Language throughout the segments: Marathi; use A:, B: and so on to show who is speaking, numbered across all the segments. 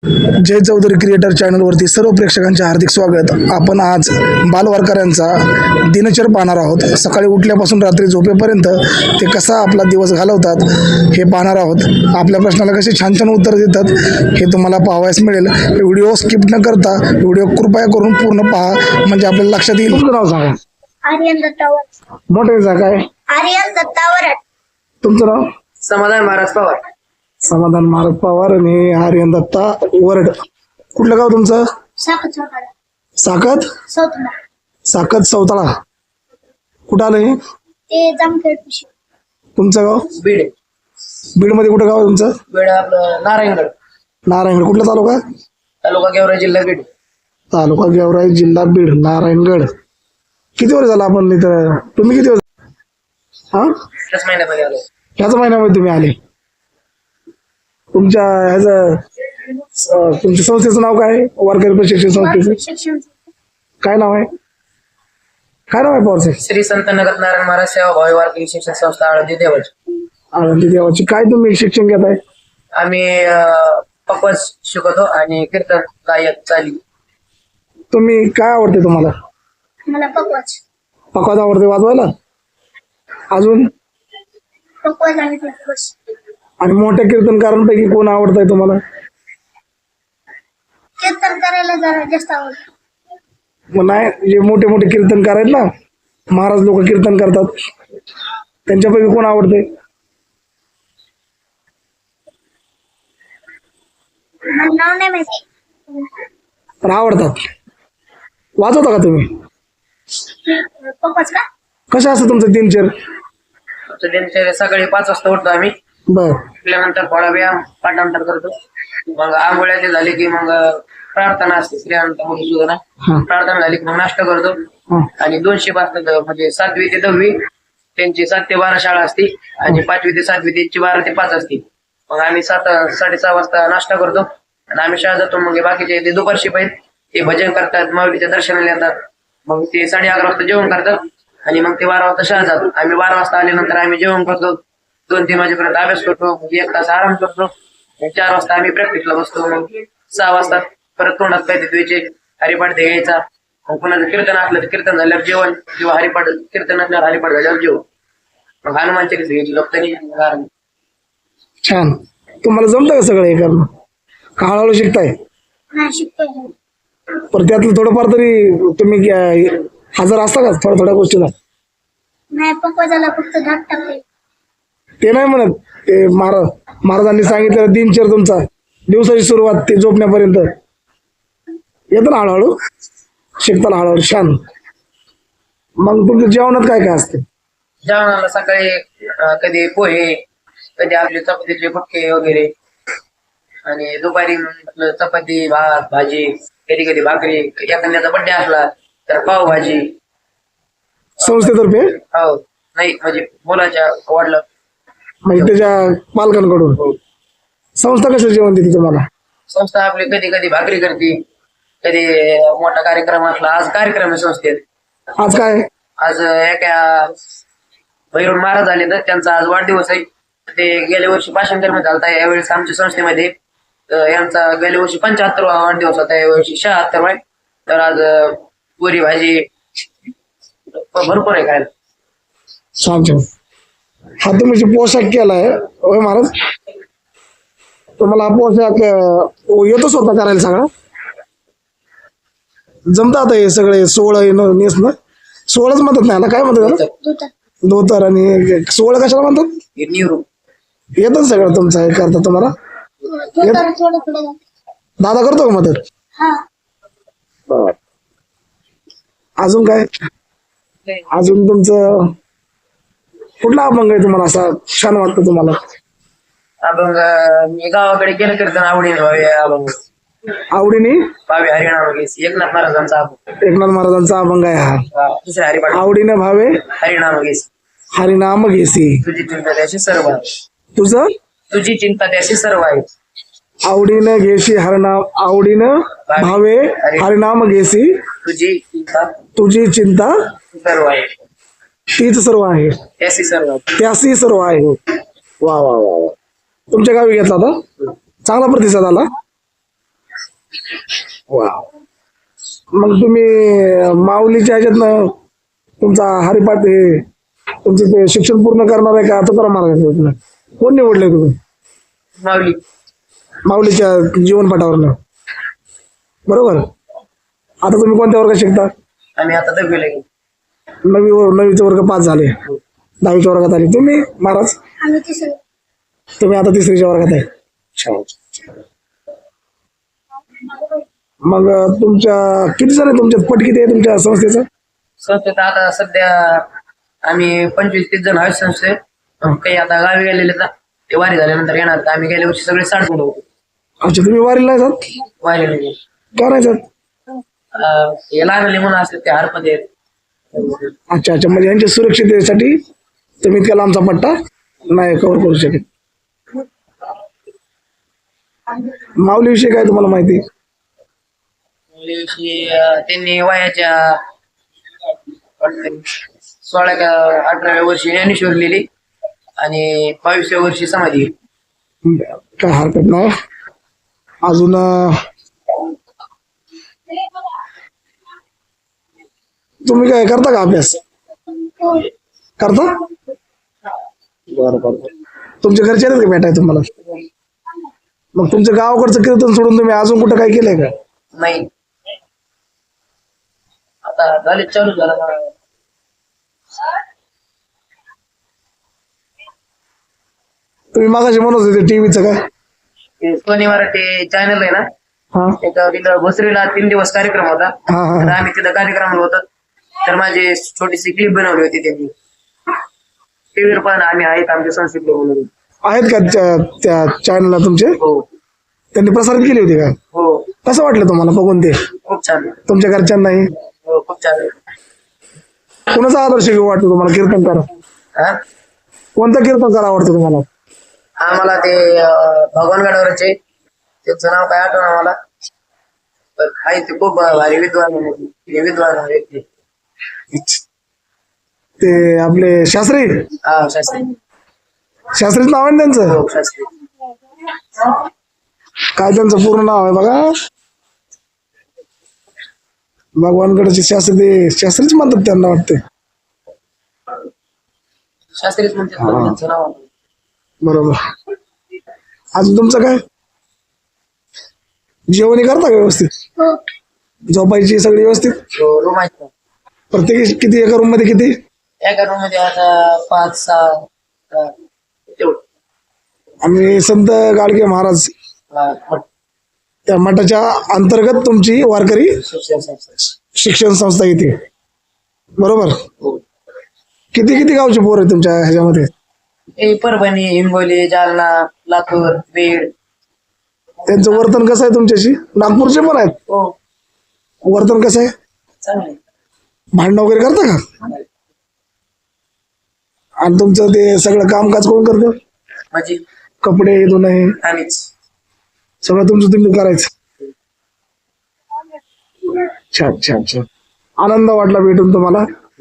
A: जय चौधरी क्रिएटर चॅनलवरती सर्व प्रेक्षकांचे हार्दिक स्वागत। आपण आज बालवारकऱ्यांचा दिनचर्या पाहणार आहोत। सकाळी उठल्यापासून रात्री झोपेपर्यंत ते कसा आपला दिवस घालवतात हे पाहणार आहोत। आपल्या प्रश्नाला कसे छान छान उत्तर देतात हे तुम्हाला पाहावयास मिळेल। व्हिडिओ स्किप न करता व्हिडिओ कृपया करून पूर्ण पहा, म्हणजे आपल्याला लक्षात येईल। तुमचं नाव सांगा।
B: आर्यन दत्तावर।
A: मोठे काय
B: आर्यन दत्तावर।
A: तुमचं नाव?
C: समाधान महाराज पवार।
A: समाधान महाराज पवार आणि आर्यन दत्ता वरड। कुठलं गाव तुमचं?
B: साखत सौताळा।
A: साकत
B: सौताळा।
A: साकत सौताळा कुठं आलं हे?
B: ते जामखेड पिशी।
A: तुमचं गाव?
C: बीड।
A: बीड मध्ये कुठं गाव आहे तुमचं?
C: बीड आपलं नारायणगड
A: नारायणगड। कुठला तालुका?
C: तालुका गेवराई जिल्हा बीड।
A: तालुका गेवराई जिल्हा बीड नारायणगड। किती वर्ष झालं आपण इथं? तुम्ही किती वर्ष? हा,
C: त्याच महिन्यामध्ये आलो।
A: ह्याच महिन्यामध्ये तुम्ही आले? तुमच्या ह्याचं तुमच्या संस्थेचं नाव काय? वारकरी प्रशिक्षण संस्थेचं
B: शिक्षण
A: काय नाव आहे? काय नाव आहे पवारचे?
C: श्री संत नगत नारायण महाराज सेवा भावी वारकरी शिक्षण संस्था आळंदी देवच।
A: आनंदी देवाची। काय तुम्ही शिक्षण घेताय?
C: आम्ही पकवाज शिकवतो आणि कीर्तन गायक चाली।
A: तुम्ही काय आवडते तुम्हाला?
B: मला पकवाज
A: पकवाज आवडते वाजवायला? अजून?
B: पकवाज आणि पकवाज।
A: आणि मोठ्या कीर्तनकारांपैकी कोण आवडतंय तुम्हाला?
B: कीर्तन करायला जरा जास्त आवडतं।
A: मग नाही, जे मोठे मोठे कीर्तनकार आहेत ना, महाराज लोक कीर्तन करतात, त्यांच्यापैकी कोण आवडते?
B: मला नाव नाही माहिती,
A: पण आवडतात। वाजवता का तुम्ही?
B: पकवाज का?
A: कसं असतं तुमचं दिनचर्या?
C: आमचं दिनचर्या सकाळी 5 वाजता उठतो आम्ही।
A: बर
C: उठल्यानंतर थोडा व्यायाम पाठांतर करतो। मग आंघोळ्या ते झाली की मग प्रार्थना असते स्त्रियांचा मधुसूदना।
A: हा
C: प्रार्थना झाली की मग नाश्ता करतो।
A: हा
C: आणि 2 शिफ्ट असतात, म्हणजे 7वी ते 10वी त्यांची 7 ते 12 शाळा असती आणि 5वी ते 7वी त्यांची 12 ते 5 असती। मग आम्ही 7-6:30 वाजता नाश्ता करतो आणि आम्ही शाळा जातो। मग बाकीचे ते दुपार शिफ्ट आहेत, ते भजन करतात, माऊलीच्या दर्शनाला येतात। मग ते 11:30 वाजता जेवण करतात आणि मग ते 12 वाजता शाळा जातात। आम्ही 12 वाजता आल्यानंतर आम्ही जेवण करतो, 2-3 वाजेपर्यंत अभ्यास करतो, मग 1 तास आराम करतो। 4 वाजता आम्ही प्रॅक्टिसला बसतो। मग 6 वाजता परत तोंडात काय द्यायचे, हरिपाठ द्यायचा। मग कुणाचं कीर्तन असलं तर कीर्तन झाल्यावर जेवण, किंवा हरिपाठ कीर्तन असल्यावर हरिपाठ झाल्यावर जेवण। मग हनुमान चालीसा घ्यायची लोकतरी।
A: छान। तुम्हाला जमतं का सगळं हे करणं? का हळूहळू शिकताय?
B: नाही शिकतोय।
A: पण त्यातलं थोडंफार तरी तुम्ही हजर असता का थोड्या थोड्या गोष्टीला?
B: नाही, पकवाजाला फक्त धाक टाकते।
A: ते नाही म्हणत, ते महाराजांनी सांगितलेलं दिनचर्या तुमचा, दिवसाची सुरुवात ते झोपण्यापर्यंत येतं ना हळूहळू, शिकताना हळूहळू। छान। मग तुमच्या जेवणात काय काय असते?
C: जेवणाला सकाळी कधी पोहे, कधी आपले चपातीचे फटके वगैरे, आणि दुपारी आपलं चपाती, भात, भाजी, कधी कधी भाकरी, एखाद्याचा बड्डे असला तर पावभाजी।
A: संस्थेतर्फे?
C: हो, नाही म्हणजे मुलाच्या वाढलं
A: म्हणजे त्याच्या पालकांकडून? संस्था कसं जेवण देते तुम्हाला?
C: संस्था आपली कधी कधी भाकरी करते, कधी मोठा कार्यक्रम असला। आज कार्यक्रम आहे संस्थेत।
A: आज काय?
C: आज एका भैरव महाराज आले तर त्यांचा आज वाढदिवस आहे। ते गेल्या वर्षी भाषण मध्ये झालता, यावेळेस आमच्या संस्थेमध्ये यांचा गेल्या वर्षी 75वा वाढदिवस होता, यावर्षी 76वा आहे। तर आज पुरी भाजी भरपूर आहे खायला।
A: छान छान। हा तुम्ही जे पोशाख केलाय होय महाराज, तुम्हाला हा पोशाख येतो स्वतः करायला सगळं? जमतं आता हे सगळे 16 नेसणं? 16च म्हणतात नाही ना, काय म्हणतात त्याला?
B: दूध
A: धोतर आणि 16 कशाला म्हणतात?
C: निवरू
A: येतं सगळं तुमचं हे करता तुम्हाला?
B: थोडं थोडं थोडं
A: दादा करतो का मदत?
B: हा।
A: अजून काय? अजून तुमचं कुठला अभंग आहे तुम्हाला असा छान वाटतं तुम्हाला?
C: अभंग मी गावाकडे गेलं कीर्तन आवडीने व्हावे अभंग।
A: आवडीने
C: भावे हरिनाम घेस, एकनाथ महाराजांचा अभंग।
A: एकनाथ महाराजांचा अभंग आहे हा।
C: दुसऱ्या हरिपाठ
A: आवडीने भावे
C: हरिनाम घेस,
A: हरिनाम घेसी,
C: तुझी चिंता त्याशी सर्व आहे।
A: तुझं
C: तुझी चिंता त्याशी सर्व आहे।
A: आवडीनं घेशी हरनाम, आवडीनं भावे हरिनाम घेसी,
C: तुझी चिंता
A: तुझी चिंता
C: सर्व आहे,
A: तीच सर्व आहे,
C: त्याशी सर्व आहे।
A: त्यासी सर्व आहे। वा वा वा वा। तुमच्या गावी घेतला होता? चांगला प्रतिसाद आला? वा. मग तुम्ही माऊलीच्या ह्याच्यातनं तुमचा हरिपाठ हे तुमचं ते शिक्षण पूर्ण करणार आहे का तुकाराम महाराजांचं कोण निवडलंय तुम्ही
C: माऊली.
A: माऊलीच्या जीवनपाठावरनं? बरोबर. आता तुम्ही कोणत्या वर्गात शिकता?
C: आम्ही आता 10वीला गेलो.
A: नवीचा वर्ग 5 झाले, 10वीच्या वर्गात आले. तुम्ही महाराज?
B: आम्ही तिसरी.
A: तुम्ही आता 3रीच्या वर्गात आहे. मग तुमच्या किती जण आहे तुमच्यात? पट किती आहे तुमच्या संस्थेचं?
C: संस्थेत आता सध्या आम्ही 25-30 जण आहेत संस्थेत. काही आता गावी गेलेले आहेत. ते वारी झाल्यानंतर येणार. तर आम्ही गेल्या वर्षी सगळे 60 जण होतो.
A: अच्छा, तुम्ही वारीला नाही जात?
C: वारीला गेले.
A: का नाही जात?
C: हे लहान म्हणून असतात ते हरपत आहेत.
A: अच्छा अच्छा, म्हणजे यांच्या सुरक्षिततेसाठी तुम्ही इतका लांबचा पट्टा नाही कव्हर करू शकत. माऊलीविषयी काय तुम्हाला माहिती?
C: मुलीविषयी त्यांनी वयाच्या 16 का 18व्या वर्षी ज्ञानेश्वर लिहिली आणि 22व्या वर्षी समाधी.
A: काय हरकत नाही. अजून तुम्ही काय करता का अभ्यास? करता? बरं. तुमच्या घरचे आहेत का भेटाय तुम्हाला? मग तुमच्या गावाकडचं कीर्तन सोडून तुम्ही अजून कुठं काय केलंय का?
C: नाही, आता झाले चालू झाला.
A: तुम्ही मागाशी म्हणत होते टीव्हीचं काय?
C: ते सोनी मराठी चॅनल आहे ना,
A: हा
C: त्याच्यावर तिथं भोसरीला 3 दिवस कार्यक्रम होता.
A: हा
C: तर
A: हा.
C: आम्ही तिथं कार्यक्रमाला होतो. तर माझी छोटीशी क्लिप बनवली होती त्यांनी. टीव्हीवर पण आम्ही आहेत आमच्या संस्कृती म्हणून.
A: आहेत का त्या चॅनलला तुमचे?
C: हो
A: त्यांनी प्रसारित केली होती का?
C: हो,
A: कसं वाटलं तुम्हाला बघून ते?
C: खूप छान.
A: तुमच्या घरच्यांनाही?
C: हो, खूप छान.
A: कोणाचा आदर्श घेऊ वाटतो तुम्हाला कीर्तनकार?
C: हा,
A: कोणता कीर्तनकार आवडतो तुम्हाला?
C: आम्हाला ते भगवान गडावरचे त्यांचं नाव काय आठवण मला. पण आहे ते खूप भारी विद्वान व्यक्ती.
A: ते आपले शास्त्री?
C: हा, शास्त्री.
A: शास्त्रीच नाव आहे ना त्यांचं?
C: हो, शास्त्री.
A: काय त्यांचं पूर्ण नाव आहे बघा? भगवानगडचे शास्त्री, शास्त्रीच म्हणतात त्यांना वाटते.
C: शास्त्रीच म्हणतात पण त्यांचं नाव.
A: बरोबर. अजून तुमचं काय? जेवणी करता का व्यवस्थित?
B: हो.
A: झोपायची सगळी व्यवस्थित?
C: रूम आहेत ना.
A: प्रत्येक किती एका रूम मध्ये किती?
C: एका रूम मध्ये आता 5-6 तेवढं.
A: आम्ही संत गाडगे महाराज त्या मठाच्या अंतर्गत तुमची वारकरी
C: शिक्षण संस्था.
A: शिक्षण संस्था येते. बरोबर.
C: हो.
A: किती किती गावचे पोर आहे तुमच्या ह्याच्यामध्ये?
C: परभणी, हिंगोली, जालना, लातूर, बीड.
A: त्यांचं वर्तन कसं आहे तुमच्याशी? नागपूरचे पण आहेत.
C: हो,
A: वर्तन कसं आहे?
C: चांगले.
A: भांडण वगैरे करता का? आणि तुमचं ते सगळं कामकाज कोण करतं?
C: म्हणजे
A: कपडे धुणं
C: आम्हीच.
A: सगळं तुमचं तुम्ही करायचं? छान छान छान. आनंद वाटला भेटून तुम्हाला.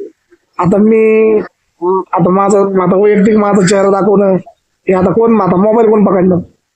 A: आता माझा वैयक्तिक माझा चेहरा दाखवणं हे आता कोण मोबाईल कोण पकडणार?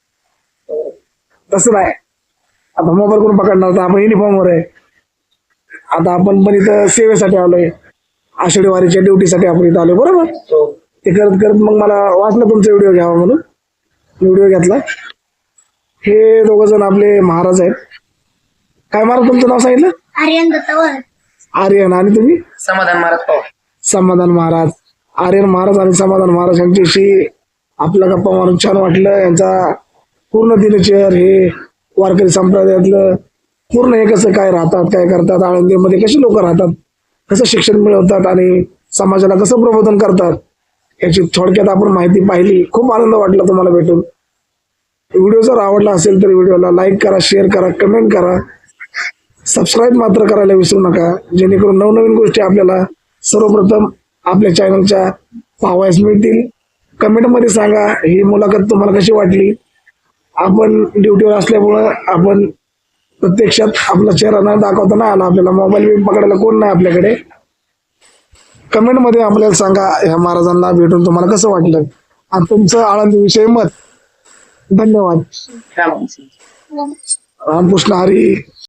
A: तसं नाही. आता मोबाईल कोण पकडणार? तर आपण युनिफॉर्मवर आहे. आता आपण पण इथं सेवेसाठी आलोय, आषाढी वारीच्या ड्युटीसाठी आपण इथं आलोय. बरोबर.
C: हो.
A: ते करत करत मग मला वाटलं तुमचा व्हिडिओ घ्यावा म्हणून व्हिडिओ घेतला. हे दोघ जण आपले महाराज आहेत. काय महाराज तुमचं नाव सांगितलं?
B: आर्यन दत्तावर.
A: आर्यन. आणि तुम्ही?
C: समाधान महाराज पवार.
A: समाधान महाराज. आर्यन महाराज आणि समाधान महाराज यांच्याशी आपला गप्पा मारून छान वाटलं. यांचा पूर्ण दिनचर्या हे वारकरी संप्रदायातलं पूर्ण हे कसं काय राहतात, काय करतात, आळंदीमध्ये कशी लोक राहतात, कसं शिक्षण मिळवतात आणि समाजाला कसं प्रबोधन करतात याची थोडक्यात आपण माहिती पाहिली. खूप आनंद वाटला तुम्हाला भेटून. व्हिडिओ जर आवडला असेल तर व्हिडिओला लाईक करा, शेअर करा, कमेंट करा, सबस्क्राईब मात्र करायला विसरू नका, जेणेकरून नवनवीन गोष्टी आपल्याला सर्वप्रथम आपल्या चॅनलच्या पाहावयास मिळतील. कमेंटमध्ये सांगा ही मुलाखत तुम्हाला कशी वाटली. आपण ड्युटीवर असल्यामुळं आपण प्रत्यक्षात आपला चेहरा न दाखवता नाही आला, आपल्याला मोबाईल बी पकडायला कोण नाही आपल्याकडे. कमेंटमध्ये आपल्याला सांगा ह्या महाराजांना भेटून तुम्हाला कसं वाटलं आणि तुमचं आळंदीविषयी मत. धन्यवाद.
C: काय म्हणते?
A: रामकृष्ण हरी.